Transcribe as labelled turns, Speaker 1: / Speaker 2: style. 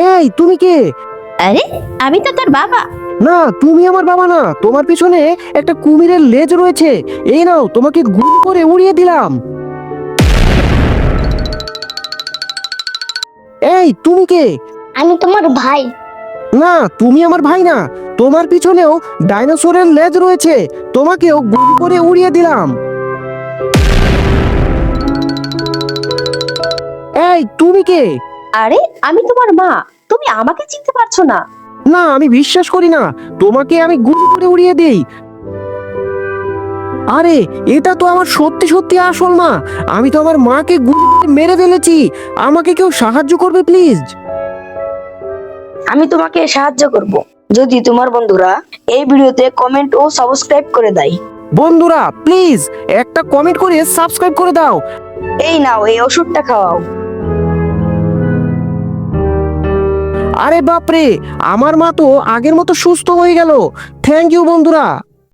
Speaker 1: এই তুমি কে?
Speaker 2: আরে আমি তো তোর বাবা।
Speaker 1: না, তুমি আমার বাবা না। তোমার পিছনে একটা কুমিরের লেজ রয়েছে। এই নাও, তোমাকে গুলি করে উড়িয়ে দিলাম। এই তুমি কে?
Speaker 3: আমি তোমার ভাই।
Speaker 1: না, তুমি আমার ভাই না। তোমার পিছনেও ডাইনোসরের লেজ রয়েছে। তোমাকেও গুলি করে উড়িয়ে দিলাম। এই তুমি কে?
Speaker 2: আরে আমি তোমার মা। তুমি আমাকে চিনতে পারছো না?
Speaker 1: না, আমি বিশ্বাস করি না। তোমাকে আমি গুলি করে উড়িয়ে দেই। আরে, এটা তো আমার সত্যি সত্যি আসল মা। আমি তো আমার মাকে গুলি করে মেরে ফেলেছি। আমাকে কেউ সাহায্য করবে প্লিজ?
Speaker 4: আমি তোমাকে সাহায্য করব যদি তোমার বন্ধুরা এই ভিডিওতে কমেন্ট ও সাবস্ক্রাইব করে দেয়।
Speaker 1: বন্ধুরা প্লিজ একটা কমেন্ট করে সাবস্ক্রাইব করে দাও।
Speaker 4: এই নাও, এই ওষুধটা খাওয়াও।
Speaker 1: আরে বাপরে, আমার মা তো আগের মতো সুস্থ হয়ে গেল। থ্যাংক ইউ বন্ধুরা।